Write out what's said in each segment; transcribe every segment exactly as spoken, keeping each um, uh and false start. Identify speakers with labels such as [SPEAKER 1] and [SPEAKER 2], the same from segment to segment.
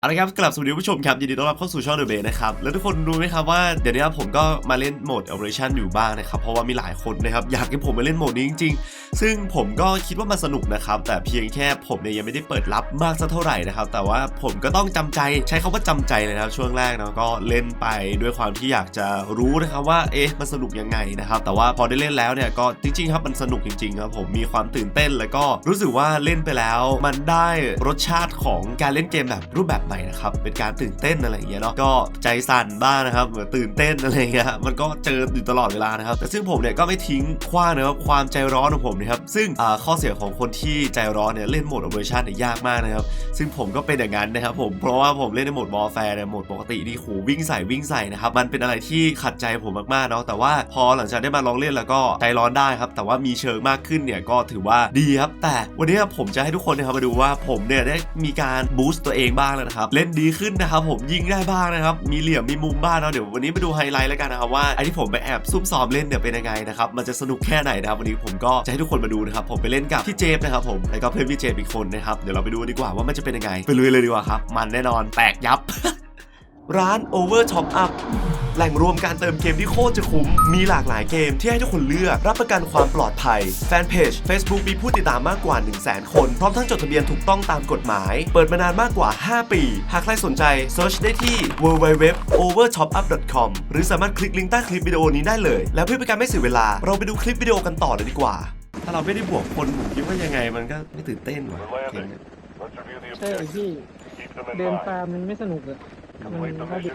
[SPEAKER 1] เอาละครับกลับสวัสดีผู้ชมครับยินดีต้อนรับเข้าสู่ช่องเดอะเบย์นะครับแล้วทุกคนรู้ไหมครับว่าเดี๋ยวนี้ผมก็มาเล่นโหมด Operation อยู่บ้างนะครับเพราะว่ามีหลายคนนะครับอยากให้ผมมาเล่นโหมดนี้จริงๆซึ่งผมก็คิดว่ามันสนุกนะครับแต่เพียงแค่ผมเนี่ยยังไม่ได้เปิดรับมากสักเท่าไหร่นะครับแต่ว่าผมก็ต้องจำใจใช้คำว่าจำใจเลยนะครับช่วงแรกนะก็เล่นไปด้วยความที่อยากจะรู้นะครับว่าเอ๊ะมันสนุกยังไงนะครับแต่ว่าพอได้เล่นแล้วเนี่ยก็จริงๆครับมันสนุกจริงๆครับผมมีความตื่นเต้นแล้วก็รู้สึกว่าเล่นไปแล้วมันได้รสชาติของการเล่นเกมแบบรูปแบบใหม่นะครับเป็นการตื่นเต้นอะไรอย่างเงี้ยเนาะก็ใจสั่นบ้างนะครับเหมือนตื่นเต้นอะไรเงี้ยมันก็เจออยู่ตลอดเวลานะครับแต่ซึ่งผมเนี่ยก็ไม่ทิ้งขว้างนะครับความใจร้อนของผมนะครับซึ่งข้อเสียของคนที่ใจร้อนเนี่ยเล่นโหมด Operation เนี่ยยากมากนะครับซึ่งผมก็เป็นอย่างนั้นนะครับผมเพราะว่าผมเล่นในโหมด Warfare เนี่ยโหมดปกตินี่โหวิ่งใส่วิ่งใส่นะครับมันเป็นอะไรที่ขัดใจผมมากๆเนาะแต่ว่าพอหลังจากได้มาลองเล่นแล้วก็ใจร้อนได้ครับแต่ว่ามีเชิงมากขึ้นเนี่ยก็ถือว่าดีครับแต่วันนี้ผมจะให้ทุกคนนะครับมาดูว่าผมเนี่ยได้มีการบูสต์ตัวเองบ้างแล้วนะครับเล่นดีขึ้นนะครับผมยิงได้บ้างนะครับมีเหลี่ยมมีมุมบ้างเนาะเดี๋ยววันนี้มาดูไฮไลท์แล้วกันนะครับว่าไอ้ที่ผมไปแอบซุ่มซ้อมเล่นเนี่ยเป็นยังไงนะครับมันจะสนุกแค่ไหนนะครับวันนี้ผมก็จะให้ทุกคนมาดูนะครับผมไปเล่นกับพี่เจฟนะครับผมแล้วก็เพื่อนพี่เจฟอีกคนนะครับเดี๋ยวเราไปดูดีกว่าว่ามันจะเป็นยังไงไปลุยเลยดีกว่าครับมันแน่นอนแตกยับ ร้าน Over Top Up แหล่งรวมการเติมเกมที่โคตรจะคุ้มมีหลากหลายเกมที่ให้ทุกคนเลือกรับประกันความปลอดภัยแฟนเพจ Facebook มีผู้ติดตามมากกว่า หนึ่งแสน คนพร้อมทั้งจดทะเบียนถูกต้องตามกฎหมายเปิดมานานมากกว่า ห้า ปีหากใครสนใจเซิร์ชได้ที่ ดับเบิลยู ดับเบิลยู ดับเบิลยู ดอท โอเวอร์ท็อปอัพ ดอท คอม หรือสามารถคลิกลิงก์ใต้คลิปวิดีโอนี้ได้เลยแล้วเพื่อเป็นการไม่เสียเวลาเราไปดูคลิปวิดีโอกันต่อเลยดีกว่าถ้าเราไม่ได้บวกคนผมคิดว่ายังไงมันก็ไม่ตื่นเต้นหรอก
[SPEAKER 2] ใช่พี่เดินตามมันไม่สนุกเลยมันน่าดู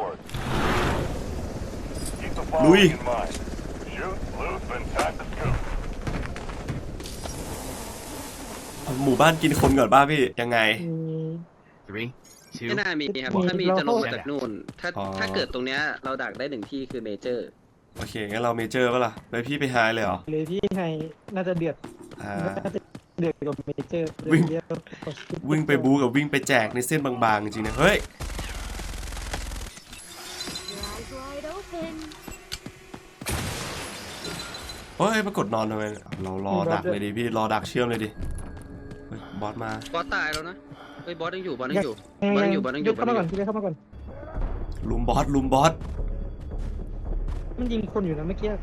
[SPEAKER 1] ลุยหมู่บ้านกินคนก่อนบ้าพี่ยังไง
[SPEAKER 3] ไม่น่ามีครับถ้ามีจะลงมาจากนู่นถ้าถ้าเกิดตรงเนี้ยเราดักได้หนึ่งที่คือเมเจอร์
[SPEAKER 1] โอเคงั้นเราเมเจอร์ป่ะล่ะไปพี่ไปไฮเลยเหรอ
[SPEAKER 2] เลยพี่ไฮน่าจะเดือดน่าจะเดือดกับเมเจอร์
[SPEAKER 1] วิ่งวิ่งไปบูกับวิ่งไปแจกในเส้นบางๆจริงๆนะเฮ้ยเฮ้ยปรากฏนอนทำไมเรารอดักเลยดิพี่รอดักเชื่อมเลยดิบอสมา
[SPEAKER 3] บอสตายแล้วนะเฮ้ยบอสยังอยู่บอสยังอยู่บอสยังอยู่บอสยังอยู่
[SPEAKER 2] เข้ามาก่อนพี่เข้ามาก่อน
[SPEAKER 1] ลุมบอสลุมบอส
[SPEAKER 2] มันยิงคนอยู่นะเมื่อกี้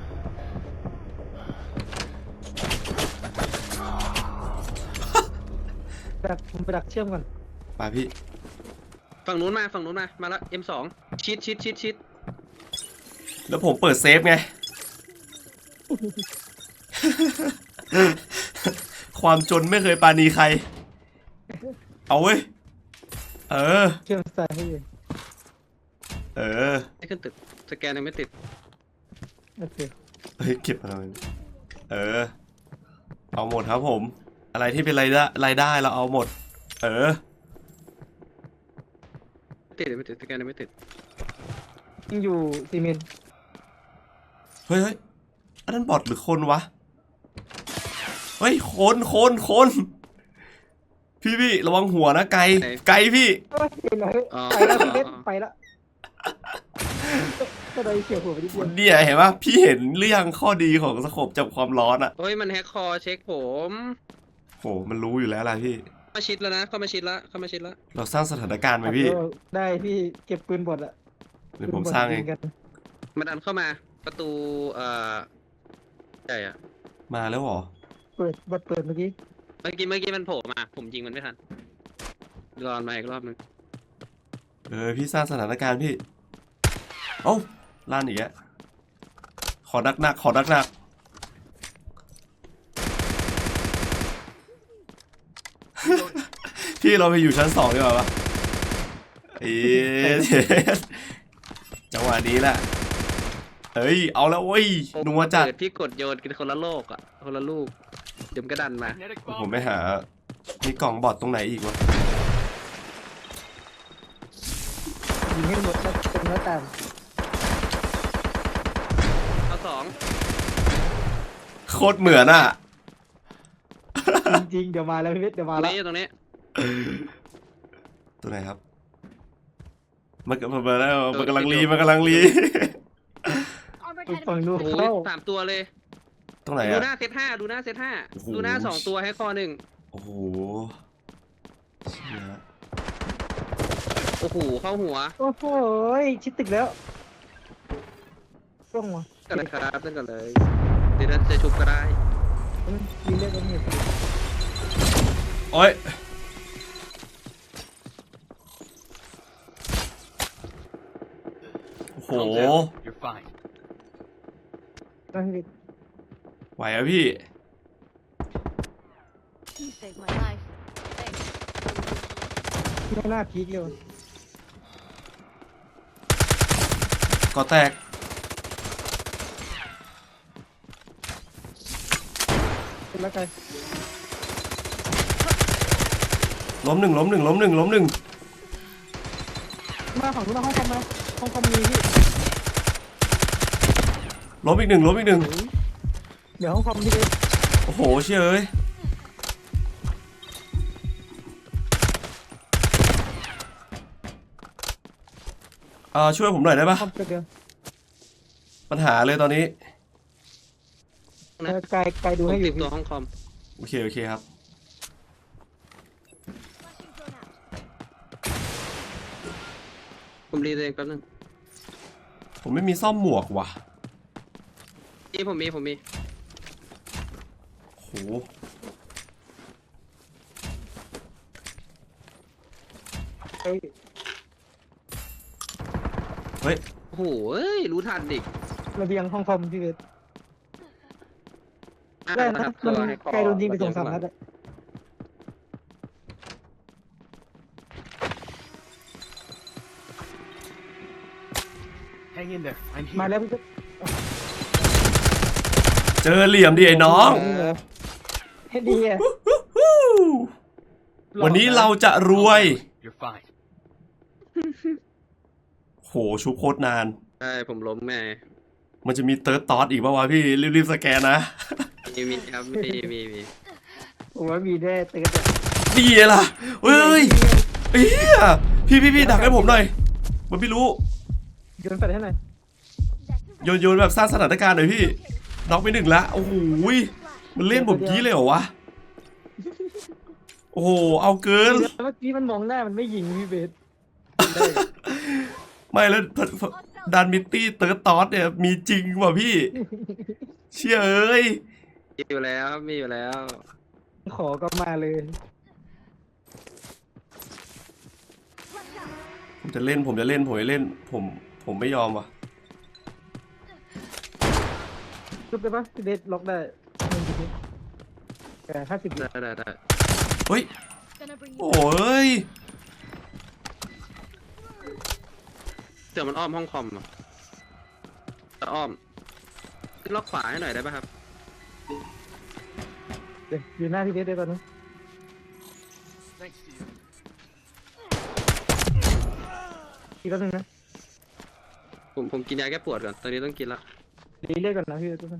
[SPEAKER 2] ดักผมไปดักเชื่อมก่อน
[SPEAKER 1] ไปพี่
[SPEAKER 3] ฝั่งนู้นมาฝั่งนู้นมามาแล้ว เอ็ม สอง ชิดชิดชิดชิด
[SPEAKER 1] แล้วผมเปิดเซฟไง ความจนไม่เคยปาณีใครเอาเว้ยเออ
[SPEAKER 2] เชื่อมสายให้อยู่
[SPEAKER 1] เออ
[SPEAKER 3] ไม่ขึ้นตึกสแกนยังไม่ติด
[SPEAKER 2] โอเค
[SPEAKER 1] เฮ้ยเก็บอะไรเออเอาหมดครับผมอะไรที่เป็นรายได้รายได้เราเอาหมดเออ
[SPEAKER 3] ติดไม่ติดสแกนยังไม่ติด
[SPEAKER 2] ยังอยู่ซีเมนต์
[SPEAKER 1] เฮ้ยเฮ้ยอันนั้นบอทหรือคนวะเฮ้ยคนคนคนพี่พี่ระวังหัวนะไกลไกลพี่
[SPEAKER 2] ไปแล้วไปแล้วไปแล้วก็ได้เฉียวหัวไปนิดเดียว
[SPEAKER 1] เดี๋ยวเห็นปะพี่เห็นเรื่องข้อดีของสโคปจับความร้อนอะ
[SPEAKER 3] เฮ้ยมันแฮกคอเช็คผม
[SPEAKER 1] โหมันรู้อยู่แล้วอะไรพี่
[SPEAKER 3] มาชิดแล้วนะเข้ามาชิดแล้วเข้ามาชิดแล้ว
[SPEAKER 1] เราสร้างสถานการณ์ไหมพี่
[SPEAKER 2] ได้พี่เก็บปืนบดอะ
[SPEAKER 1] เดี๋ยวผมสร้างเอง
[SPEAKER 3] มันดันเข้ามาประตูเอ่อใหญ่อะ
[SPEAKER 1] มาแล้วหรอ
[SPEAKER 2] เปิดบดเปิดเมื่อกี้
[SPEAKER 3] เมื่อกี้เมื่อกี้มันโผล่มาผมยิงมันไม่ทันรอมาอีกรอบนึง
[SPEAKER 1] เออพี่สร้างสถานการณ์พี่โอ้ล้านอีกแล้วขอดักหนักขอดักหนักพี่เราไปอยู่ชั้นสองดีกว่าปะเอ๊ะจังหวะนี้แหละเฮ้ยเอาแล้วเว้ยนัวจัด
[SPEAKER 3] พี่กดโยนกินคนละโลกอ่ะคนละลูกเดี๋ยวก็ดันมา
[SPEAKER 1] ผมไม่หามีกล่องบอทตรงไหนอีกวะ
[SPEAKER 2] ยิงให้หมดแล้วเป็นเนื้อตาม
[SPEAKER 3] เอาสอง
[SPEAKER 1] โคตรเหมือนอ่ะ
[SPEAKER 2] จริงๆเดี๋ยวมาแล้วพี่เวทเดี๋ยวมาแล้ว
[SPEAKER 3] ตรงนี้
[SPEAKER 1] ตัวไหนครับมันกำลังแล้วมันกำลังรีมันกำลังรี
[SPEAKER 2] ฝั่งนู้น
[SPEAKER 3] เข้าสามตัวเลย
[SPEAKER 1] ตรงไหนอะ
[SPEAKER 3] ดูหน้าเซตห้าดูหน้าเซตห้าดูหน้าสองตัวให้คอหนึ่ง
[SPEAKER 1] โอ้โห
[SPEAKER 3] โอ้โหเข้าหัว
[SPEAKER 2] โอ้โหชิดตึกแล้วร่วงว่ะ
[SPEAKER 3] กันเลยครับนั่นกันเลยเดี๋ยวจะชุบก็ได้
[SPEAKER 2] มีเลือดกันอยู่
[SPEAKER 1] โอ้ยโอ้โห
[SPEAKER 4] You're fine.
[SPEAKER 2] นั่นพี่
[SPEAKER 1] ไหวอะพี่
[SPEAKER 5] You saved my life. Thanks.
[SPEAKER 2] ไม่น่าพีคเลย
[SPEAKER 1] ก็แตก
[SPEAKER 2] เป็นแล้วไง
[SPEAKER 1] ล้มหนึ่งล้มหนึ่งล้มหนึ่งล้มหนึ่ง
[SPEAKER 2] มาฝั่งนู้นมาห้องคอมมาห้องคอมมีพี่
[SPEAKER 1] ล้มอีกหนึ่งล้มอีกหนึ่ง
[SPEAKER 2] เดี๋ยวห้องคอมพี่เลย
[SPEAKER 1] โอ้โหเชี่ยเอ้ยอ่าช่วยผมหน่อยได้ปะ
[SPEAKER 2] คอมเดียว
[SPEAKER 1] ปัญหาเลยตอนนี้
[SPEAKER 2] ไกลไกลดู
[SPEAKER 3] ผม
[SPEAKER 2] ให้อ
[SPEAKER 3] ติ
[SPEAKER 2] ยู่
[SPEAKER 3] ดตัวห้องคอม
[SPEAKER 1] โอเคโอเคครับ
[SPEAKER 3] ผมรีตัวเองแป๊บนึง
[SPEAKER 1] ผมไม่มีซ่อมหมวกว่ะ
[SPEAKER 3] นี่ผมมีผมมี
[SPEAKER 1] โห
[SPEAKER 2] ไอ้
[SPEAKER 1] เฮ้ย
[SPEAKER 3] โอ้โหเอ้ยรู้ทันดิ
[SPEAKER 2] ระเบียงห้องคอมพี่เลย
[SPEAKER 3] อ่ะ
[SPEAKER 2] ได้
[SPEAKER 3] ค
[SPEAKER 2] นะ
[SPEAKER 3] รับ
[SPEAKER 2] มัน
[SPEAKER 3] ตัวให้คอ
[SPEAKER 2] ไกลโดนยิงไปสองสามนัดอะ
[SPEAKER 4] Hang in there. I'm
[SPEAKER 2] มา
[SPEAKER 4] here.
[SPEAKER 2] แล้วพี่ก็
[SPEAKER 1] เจอเหลี่ยมดิไอ้น้อง
[SPEAKER 2] ให้ดีอ่ะ
[SPEAKER 1] วันนี้เราจะรวย
[SPEAKER 4] You're fine.
[SPEAKER 1] โหชุบโคตรนาน
[SPEAKER 3] ใช่ผมล้มแม่
[SPEAKER 1] มันจะมีเติร์ดตอสอีกป่าวะพี่ รีบๆสแกนนะ
[SPEAKER 3] มีมีครับมีมีมี
[SPEAKER 2] ผมว่ามีแน่เตือนอะ
[SPEAKER 1] ดีล่ะเฮ้ยเฮียพี่พี่พี่ดักให้ผมหน่อย มันไม่รู้
[SPEAKER 2] โยนไปให้หน่อย
[SPEAKER 1] โยนโยนแบบสร้างสถานการณ์หน่อยพี่น็อกไปหนึ่งละโอ้โหมันเล่นผมกี้เลยเหรอวะ โอ้โห เอาเกิน
[SPEAKER 2] เมื่อกี้มันมองหน้ามันไม่ยิงพี่เบส
[SPEAKER 1] ไม่แล้วดันมิตตี้เติร์ดตอสเนี่ยมีจริงว่ะพี่ เชี่ยเอ้ย
[SPEAKER 3] มีอยู่แล้วมีอยู่แล้ว
[SPEAKER 2] ขอก็มาเลย
[SPEAKER 1] ผมจะเล่นผมจะเล่นผมจะเล่น ผมผมไม่ยอมว่ะ
[SPEAKER 2] จุบได้ปะพี่เบสล็อกได้หนึ่งทีแต่ห้าสิบ
[SPEAKER 3] ได้ได้ได้
[SPEAKER 1] เฮ้ย
[SPEAKER 5] Gonna bring you
[SPEAKER 1] โอ้ย
[SPEAKER 3] เดี๋ยวมันอ้อมห้องคอมอ่ะจะอ้อมล็อกขวาให้หน่อยได้ป่ะครับ
[SPEAKER 2] เดี๋ยวอยู่หน้าพี่เบสได้ตอนนี้
[SPEAKER 4] Thanks to you.
[SPEAKER 2] อีกแป๊บนึงนะ
[SPEAKER 3] ผมผมกินยาแก้ปวดก่อนตอนนี้ต้องกินละ
[SPEAKER 2] รีเรียกก่อนนะพี่เบสทุกคน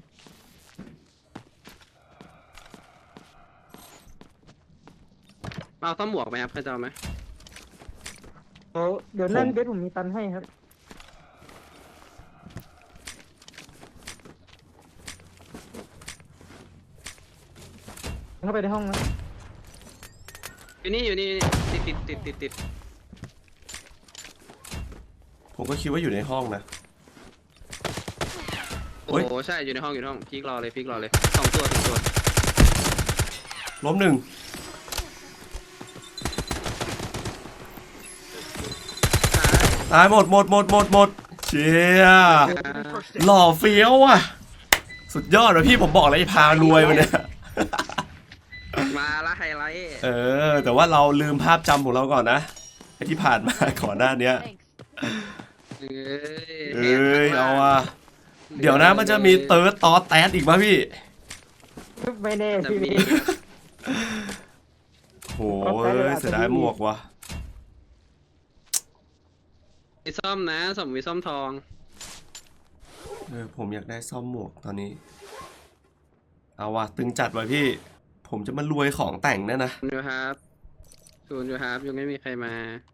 [SPEAKER 3] เอาต้อมหมวกไหมครับใครจะเอาไหม
[SPEAKER 2] เดี๋ยวเดี๋ยวนั่นเบสผมมีตันให้ครับเข้าไปในห้องนะ
[SPEAKER 3] อยู่นี่อยู่นี่ติดติดติดติดติด
[SPEAKER 1] ผมก็คิดว่าอยู่ในห้องนะ
[SPEAKER 3] โอ้
[SPEAKER 1] เฮ้ย
[SPEAKER 3] โหใช่อยู่ในห้องอยู่ในห้องพีกรอเลยพีกรอเลยสองตัวสองตัว
[SPEAKER 1] ล้มหนึ่ง ตายหมดหมดหมดหมดหมดเชี่ยหล่อเฟี้ยวอ่ะ สุดยอดเลยพี่ผมบอกเลยพารวยมาเนี่ย
[SPEAKER 3] มาละไฮไลท์
[SPEAKER 1] เออ แต่ว่าเราลืมภาพจำของเราก่อนนะไอที่ผ่านมาก่อนหน้าเนี้ย
[SPEAKER 5] Thanks.
[SPEAKER 3] เอ้ย
[SPEAKER 1] เอ้ยเอาว่ะเดี๋ยวนะมันจะมีเติร์ดตอสแตสอีกป่ะพี่
[SPEAKER 2] ไม่แน่
[SPEAKER 3] จะ
[SPEAKER 2] พี่เบ
[SPEAKER 3] มี
[SPEAKER 2] ส
[SPEAKER 1] โหเอ้ยเสียดายหมวกว่ะ
[SPEAKER 3] มีซ่อมนะสมมีซ่อมทอง
[SPEAKER 1] เออผมอยากได้ซ่อมหมวกตอนนี้ เอาว่ะตึงจัดไว้พี่ ผมจะมารวยของแต่งแน่นะ
[SPEAKER 3] ศูนย์อยู่ครับศูนย์อยู่ครับยังไม่มีใครมา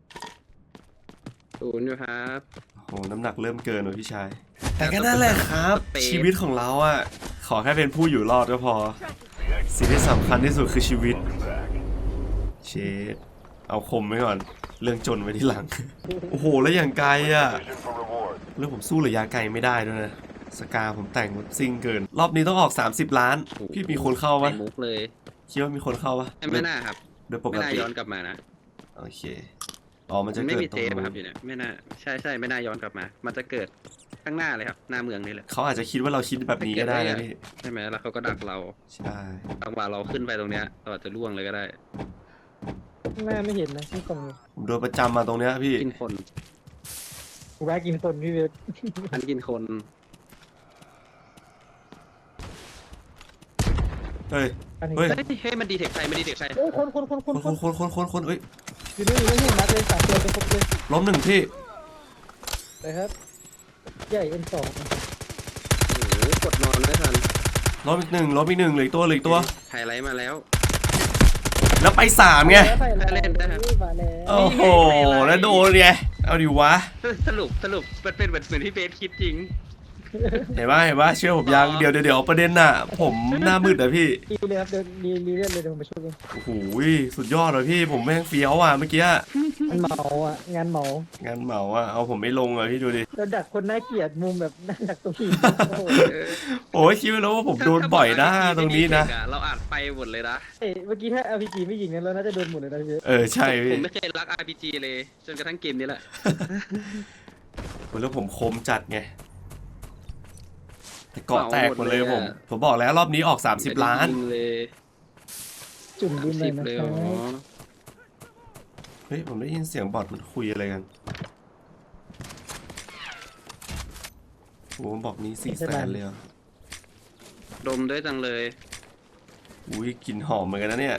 [SPEAKER 3] ศูนย์อยู่ครับ
[SPEAKER 1] โหน้ำหนักเริ่มเกินว่ะพี่ชาย แต่ก็นั่นแหละครับ ชีวิตของเราอ่ะ ขอแค่เป็นผู้อยู่รอดก็พอ สิ่งที่สำคัญที่สุดคือชีวิต เชดเอาคมไว้ก่อนเรื่องจนไว้ที่หลัง โอ้โหแล้วอย่างไกลอ่ะเรื่องผมสู้ระยะไกลไม่ได้ด้วยนะสกาผมแต่งซิ่งเกิน รอบนี้ต้องออกสามสิบล้าน พี่มีคนเข้าปะ
[SPEAKER 3] ใส่มุกเลย
[SPEAKER 1] คิดว่ามีคนเข้าปะ
[SPEAKER 3] ไม่น่าครับ
[SPEAKER 1] โดยปก
[SPEAKER 3] ไม่น่า
[SPEAKER 1] ติ
[SPEAKER 3] ย้อนกลับมานะ
[SPEAKER 1] โอเคอ๋อมันจะ
[SPEAKER 3] มันไม่
[SPEAKER 1] เกิด
[SPEAKER 3] มี
[SPEAKER 1] ตร
[SPEAKER 3] เท
[SPEAKER 1] ง
[SPEAKER 3] ป
[SPEAKER 1] นู้
[SPEAKER 3] ครับ
[SPEAKER 1] น
[SPEAKER 3] อยู่เนี่ยไม่น่าใช่ใช่ไม่น่าย้อนกลับมา มันจะเกิดข้างหน้าเลยครับหน้าเมืองนี่แหละ
[SPEAKER 1] เขาอาจจะคิดว่าเราคิดแบบนี้ก็ได้นะพี่
[SPEAKER 3] ใช่ไหมแล้วเขาก็ดักเรา
[SPEAKER 1] ใช่
[SPEAKER 3] จังหวะเราขึ้นไปตรงเนี้ยเราอาจจะล่วงเลยก็ได้
[SPEAKER 2] หน้าไม่เห็นนะที่กล่อง
[SPEAKER 1] ผมโดนประจำมาตรงเนี้ยพี่
[SPEAKER 3] กินคน
[SPEAKER 2] กูแวะกินคนพี่เวท
[SPEAKER 3] อันกินคน
[SPEAKER 1] เฮ้ย
[SPEAKER 2] อันนี้
[SPEAKER 1] เฮ้ย
[SPEAKER 3] เฮ้ยเฮ้ยมันดีเทคใครมันดีเทคใคร
[SPEAKER 2] โอ้คนคนคนค
[SPEAKER 1] คน น
[SPEAKER 2] ค
[SPEAKER 1] คน นคนคนคนคนเอ้ย
[SPEAKER 2] อยู่นี่อยู่นี่นัดเลยสามตัวเป็นครบเลย
[SPEAKER 1] ล้มหนึ่งพี่
[SPEAKER 2] เลยครับใหญ่เอ็นสอง
[SPEAKER 3] โอ้โหกดนอนไม่ทัน
[SPEAKER 1] ล้มอีกหนึ่งล้มอีกหนึ่งเหลืออกตัวเหลืออกตัว
[SPEAKER 3] ไฮไลท์มาแล้ว
[SPEAKER 1] แล้วไปสามไง
[SPEAKER 2] เล่นได้ครับมาแล้ว
[SPEAKER 1] โอ้โหแล้วโดนไงเอาดิวะ
[SPEAKER 3] สรุปสรุปมันเป็นเหมือนเหมือนที่เบสคิดจริง
[SPEAKER 1] เห็นปะเห็นปะเชื่อผมยังเดี๋ยวเดี๋ยวเดี๋ยวประเด็นน่ะ ผมหน้ามืดอะพี่
[SPEAKER 2] ดีเลยครับเดี๋ยวดีดีเล่นเลยเดี๋ยวผมไปช่วยเอง
[SPEAKER 1] โอ้โหสุดยอดเลยพี่ผมแม่งเฟี้ยวอ่ะเมื่อกี้
[SPEAKER 2] มันเหมาอ่ะงานเหมาง
[SPEAKER 1] านเหมาอ่ะเอาผมไม่ลงอ่ะพี่ดูดิ
[SPEAKER 2] เราดักคนน่าเกลียดมุมแบบน่าดักตัวผีโอ้โห
[SPEAKER 1] โอ้ยคิดไว้แล้วว่าผมโดนบ่อยนะตรงนี้นะ
[SPEAKER 3] เราอาจไปหมดเลยนะ
[SPEAKER 2] เอ้ยเมื่อกี้ถ้า อาร์ พี จี ไม่ยิงเนี่ยเราน่าจะโดนหมดเลยนะพี่เวท
[SPEAKER 1] เออใช่
[SPEAKER 3] ผ
[SPEAKER 1] พี่
[SPEAKER 3] มไม่เคยรัก อาร์ พี จี เลย จนกระทั่งเกมนี้แหละ
[SPEAKER 1] โอ้ยแล้วผมคมจัดไงแต่เกาะแตกหมดเลยผมผมบอกแล้วรอบนี้ออกสามสิบล้าน
[SPEAKER 3] จริงเลย
[SPEAKER 2] จุ่มดินเล
[SPEAKER 3] สิ
[SPEAKER 2] ย
[SPEAKER 3] บ
[SPEAKER 2] นะ
[SPEAKER 3] เลย
[SPEAKER 2] ค
[SPEAKER 3] อ๋
[SPEAKER 2] รั
[SPEAKER 3] อบ
[SPEAKER 1] เฮ้ยผมได้ยินเสียงบอทมันคุยอะไรกันโอ้บอกนี้สี่แสนเลยเหรอ
[SPEAKER 3] ดมด้วยจังเลย
[SPEAKER 1] อุ้ยกลิ่นหอมเหมือนกันนะเนี่ย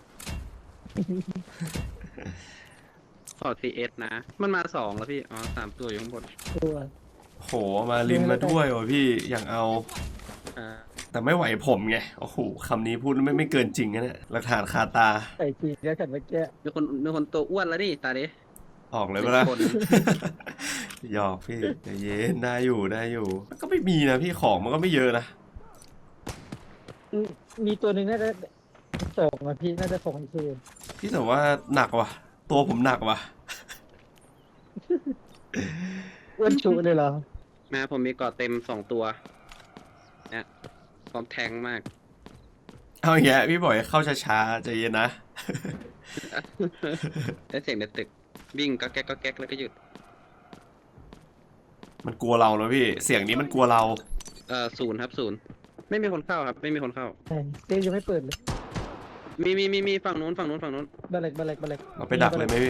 [SPEAKER 3] ขอ ที เอส นะ มันมาสองแล้วพี่ อ๋อสามตัวอยู่ข้างบน
[SPEAKER 2] ตัว
[SPEAKER 1] โหมาริมมาด้วยว่ะพี่อย่างเอา
[SPEAKER 3] อ่า
[SPEAKER 1] แต่ไม่ไหวผมไงโอ้โหคำนี้พูดไม่ไม่เกินจริงนะเนี่ยหลักฐานคาตา
[SPEAKER 2] ใส่จริงแล้วขัดเมื่อกี้
[SPEAKER 3] มีคนมีคนตัวอ้วนแล้วนี่ตาดิ
[SPEAKER 1] ออกเลยปะล่ะ
[SPEAKER 3] คน
[SPEAKER 1] หยอกพี่ใจเย็นได้อยู่ได้อยู่ ก็ไม่มีนะพี่ของมันก็ไม่เยอะนะ
[SPEAKER 2] อืมมีตัวหนึ่งน่าจะสองอ่ะพี่น่าจะสองอีกที
[SPEAKER 1] พี่แต่ว่าหนักว่ะ ตัวผมหนักว่ะ
[SPEAKER 2] อ้วนชุเลยเหรอ
[SPEAKER 3] มาผมมีเกาะเต็มสองตัว เนี่ยพร้อมแทงมาก
[SPEAKER 1] เอาอย่างเงี้ยพี่บอกให้เข้าช้าๆใจเย็นนะ
[SPEAKER 3] แล้วเสียงในตึก วิ่งก็แก๊กก็แก๊กแล้วก็หยุด
[SPEAKER 1] มันกลัวเรานะพี่ เสียงนี้มันกลัวเรา
[SPEAKER 3] เอ่อศูนย์ครับศูนย์ไม่มีคนเข้าครับ ไม่มีคนเข้า
[SPEAKER 2] ใช่เต้ยังไม่เปิดเลย
[SPEAKER 3] มีมีมีมีฝั่งนู้นฝั่งนู้นฝั่งนู้น
[SPEAKER 2] บาเล็กบาเล็กบาเล็ก
[SPEAKER 1] เราไปดักเลยไหมพี่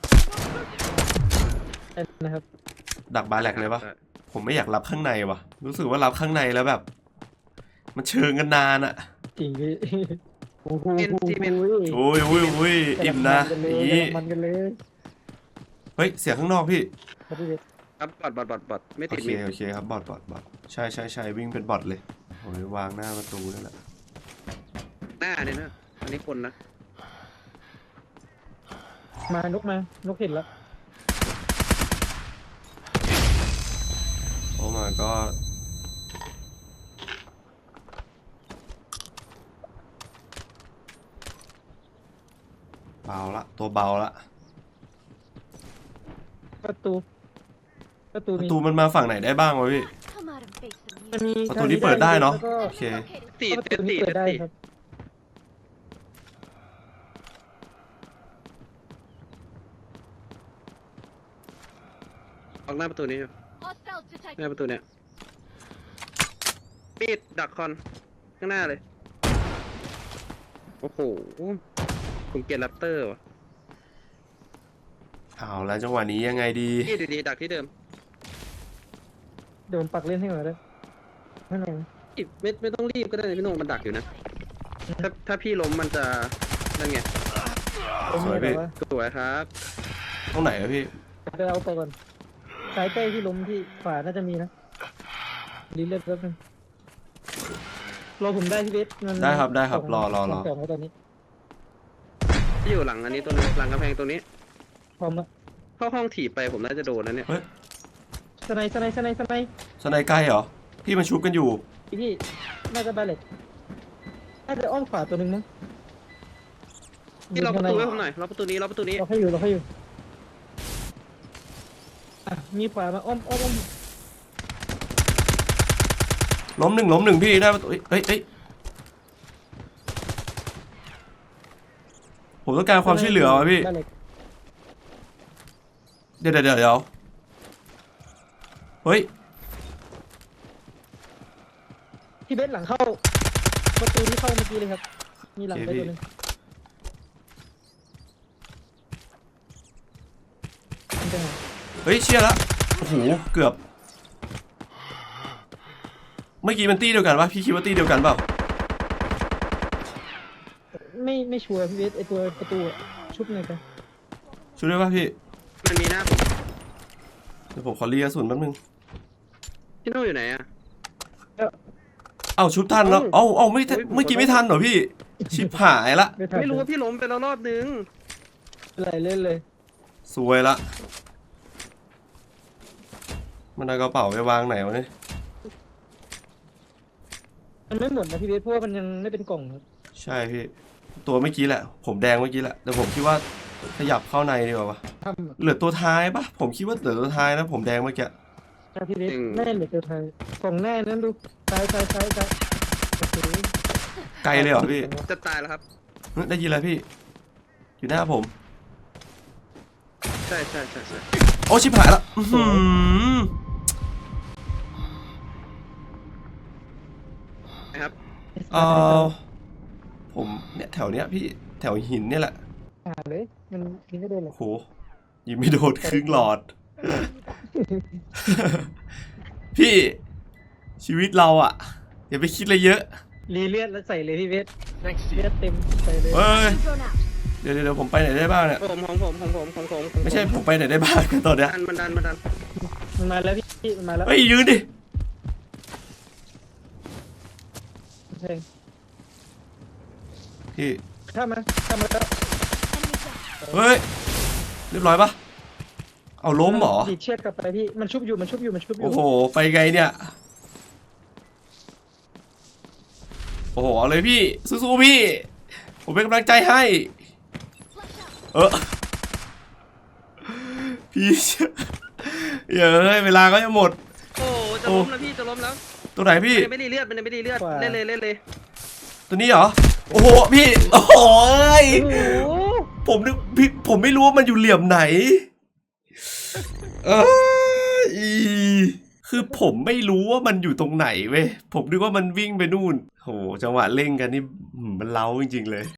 [SPEAKER 2] ได้นะครับ
[SPEAKER 1] ดักบาแลกเลยปะผมไม่อยากรับข้างในว่ะ รู้สึกว่ารับข้างในแล้วแบบ มันเชิงกันนานอะ
[SPEAKER 2] จริงพี่โอ้โห
[SPEAKER 3] เป็นซีเมนต์
[SPEAKER 1] โอ้ยโอ้ยโอ้ยอิ่มนะอย่างนี้
[SPEAKER 2] มันกันเลย
[SPEAKER 1] เฮ้ยเสียงข้างนอกพี่
[SPEAKER 2] ครับพี่เวท
[SPEAKER 3] ครับบอดบอดบอดบอดไม่
[SPEAKER 1] โอ
[SPEAKER 3] ติด
[SPEAKER 1] เค
[SPEAKER 3] มิด
[SPEAKER 1] โอเคครับบอทบอทบอทใช่ใช่ใช่วิ่งเป็นบอทเลยโอ้ยวางหน้าประตูนั่นแหละ
[SPEAKER 3] หน้าเนี่ยนะอันนี้คนนะ
[SPEAKER 2] มานกมานกเห็นแล้ว
[SPEAKER 1] โอ้มาก็เบาละตัวเบาละ
[SPEAKER 2] ประตูประตู
[SPEAKER 1] ประ
[SPEAKER 2] มี
[SPEAKER 1] ตูมันมาฝั่งไหนได้บ้างวะพี่
[SPEAKER 5] Come out and face the
[SPEAKER 2] มัน
[SPEAKER 5] music.
[SPEAKER 2] มี
[SPEAKER 1] ประตูนี้เปิดได้เนาะ
[SPEAKER 2] แล้วก็
[SPEAKER 1] โอเค
[SPEAKER 5] Located.
[SPEAKER 3] ตี
[SPEAKER 2] ประ
[SPEAKER 3] เต็
[SPEAKER 2] ตู
[SPEAKER 3] ม
[SPEAKER 2] นี้
[SPEAKER 3] ตี
[SPEAKER 2] เปิด
[SPEAKER 3] เต็ม
[SPEAKER 2] ได้
[SPEAKER 3] ตี
[SPEAKER 2] ครับ
[SPEAKER 3] ออกหน้าประตูนี้อยู่
[SPEAKER 5] Hostile
[SPEAKER 3] หน้า
[SPEAKER 5] detected.
[SPEAKER 3] ประตูเนี้ยปิดดักคอนข้างหน้าเลย โอ้โห ผมเกลียดแรปเตอร์ว่ะ
[SPEAKER 1] เอาแล้วจังหวะนี้ยังไงดี
[SPEAKER 3] นี่ดีๆดักที่เดิม
[SPEAKER 2] เดี๋ยวผมปักเล่นให้หน่อยได้ไม่หน่อย
[SPEAKER 3] อิดไม่ไม่ต้องรีบก็ได้นะพี่โหนงมันดักอยู่นะ ถ้าถ้าพี่ล้มมันจะนั่นไง
[SPEAKER 2] ผม
[SPEAKER 1] สวย
[SPEAKER 2] มี
[SPEAKER 1] พี่
[SPEAKER 2] แบบว่า
[SPEAKER 3] สวยครับ
[SPEAKER 1] ตรงไหนอะพี่
[SPEAKER 2] ไปเอาตัวก่อนซ้ายใกล้ที่ล้มที่ขวาน่าจะมีนะรีเลือดแป๊บนึงรอผมได้ที่เวทมัน
[SPEAKER 1] ได้ครับได้ครับ
[SPEAKER 2] สง
[SPEAKER 1] รอรอรอ
[SPEAKER 2] สองแล้วตอนนี้
[SPEAKER 3] ที่อยู่หลังอันนี้ตัวนึงหลังกำแพงตัวนี้
[SPEAKER 2] พร้อมแล้ว
[SPEAKER 3] เข้าห้องถีบไปผมน่าจะโดนนะเนี่ย
[SPEAKER 1] เฮ้ย
[SPEAKER 2] สไนด์สไนด์สไนด์สไนด์
[SPEAKER 1] สไนใกล้เหรอพี่มันชุบกันอยู่
[SPEAKER 2] พี่พี่น่าจะบาเล็กน่าจะอ้อมขวาตัวหนึ่งมั้ง
[SPEAKER 3] ที่เราประตูไว้ผมหน่อยเราประตูนี้เราประตูนี้
[SPEAKER 2] เราให้อยู่เราให้อยู่อ่ะมีขวามาอ้อมอ้อมอ้อม
[SPEAKER 1] ล้มหนึ่งล้มหนึ่งพี่ได้ประตูเอ้ยเอ้ยเอ้ยผมต้องการความช่วยเหลือวะพี่
[SPEAKER 2] บ้านเล็ก
[SPEAKER 1] เดี๋ยวเดี๋ยวเดี๋ยวเดี๋ยวเฮ้ย
[SPEAKER 2] พี่เบสหลังเข้าประตูที่เข้าเมื่อกี้เลยครับมีหลังไปตัวหนึงมันจะหา
[SPEAKER 1] เฮ้ยเชี่ยละโอ้โหเกือบเมื่อกี้มันตี้เดียวกันปะพี่คิดว่าตี้เดียวกันเปล่า
[SPEAKER 2] ไม่ไม่ชัวร์พี่เบสไอตัวประตูอะชุบหน่อยกัน
[SPEAKER 1] ช่วยได้ปะพี่
[SPEAKER 3] มันมีหน้าผม
[SPEAKER 1] เดี๋ยวผมขอรีกระสุนแป๊บนึง
[SPEAKER 3] พี่โน่อยู่ไหนอะ
[SPEAKER 1] เอ้าชุบทันแล้วเอ้าเอ้าไม่ทันเมื่อกี้ไม่ทันเหรอพี่ชิบหายละ
[SPEAKER 2] ไม่ทัน
[SPEAKER 3] ไม่รู้ว่าพี่ล้มไปแล้วรอบนึง
[SPEAKER 2] อะไรเล่นเลย
[SPEAKER 1] สวยละมันเอากระเป๋าไปวางไหนวะเนี่ย
[SPEAKER 2] มันไม่หมดนะพี่เบสเพราะว่ามันยังไม่เป็นกล่องครับ
[SPEAKER 1] ใช่พี่ตัวเมื่อกี้แหละผมแดงเมื่อกี้แหละแต่ผมคิดว่าขยับเข้าในดีกว่าวะ
[SPEAKER 2] ทำอะ
[SPEAKER 1] เหลือตัวท้ายปะผมคิดว่าเหลือตัวท้ายนะผมแดงเมื่อกี้
[SPEAKER 2] แต่พี่เบสแน่เหลือตัวไทยกล่องแน่นั้นดูซ้ายซ้ายซ้ายซ้ายโอเค
[SPEAKER 1] ไกลเลยเหรอพี่
[SPEAKER 3] จะตายแล้วครับ
[SPEAKER 1] เฮ้ยได้ยินแล้วพี่ อยู่หน้าผม
[SPEAKER 3] ใช่ใช่ใช่ใช่
[SPEAKER 1] โอ้ชิบหายละอื้อหือ
[SPEAKER 3] นะครับ
[SPEAKER 1] เออผมเนี่ยแถวเนี้ยพี่แถวหินเนี่ยแหละ
[SPEAKER 2] หาเลยมันยิงไม่โดนหรอก
[SPEAKER 1] โหยิงไม่โดนครึ่งหลอด พี่ชีวิตเราอะอย่าไปคิดอะไรเยอะ
[SPEAKER 2] รีเลือดแล้วใส่เลยพี่เบส
[SPEAKER 4] Thanks to
[SPEAKER 2] เลือ
[SPEAKER 4] you.
[SPEAKER 2] ดเต็มใส่เลย
[SPEAKER 1] เฮ้ย
[SPEAKER 5] I'm thrown out.
[SPEAKER 1] เดี๋ยวเดี๋ยวเดี๋ยวผมไปไหนได้บ้างเนี่ย
[SPEAKER 3] ผมของผมของผมของผมของผ
[SPEAKER 1] ไม่ใช่ผมไปไหนได้บ้างตอนเนี้ย
[SPEAKER 3] ดันมันดันมันดัน
[SPEAKER 2] มันมาแล้วพี่มันมาแล้ว
[SPEAKER 1] เฮ้ยยืนดิ
[SPEAKER 2] ใช่
[SPEAKER 1] พี่
[SPEAKER 2] ข้ามมาข้ามมาแล้ว
[SPEAKER 5] Enemy down.
[SPEAKER 1] เฮ้ยเรียบร้อยปะเอาล้มเหรอ
[SPEAKER 2] ดีดเชือกกลับไปพี่มันชุบอยู่มันชุบอยู่มันชุบอยู่
[SPEAKER 1] โอ้โหไปไงเนี่ยโอ้โหเอาเลยพี่สู้ๆพี่ผมเป็นกำลังใจให้ เออพี่เย้ยเวลาก็จะหมด
[SPEAKER 3] โอ้จะล้มแล้วพี่จะล้มแล้ว
[SPEAKER 1] ตัวไหนพี่
[SPEAKER 3] มันยังไม่ได้เลือดมันยังไม่ได้เลือดเล่นเลยเล่นเลย
[SPEAKER 1] ตัวนี้เหรอ โอ้โหพี่โอ้โหย
[SPEAKER 2] โอ้โห
[SPEAKER 1] ผมนึกพี่ผมไม่รู้ว่ามันอยู่เหลี่ยมไหนเอยอีคือผมไม่รู้ว่ามันอยู่ตรงไหนเว้ยผมนึกว่ามันวิ่งไปนู่นโหจังหวะเร่งกันนี่หืมมันเล้าจริงๆเลย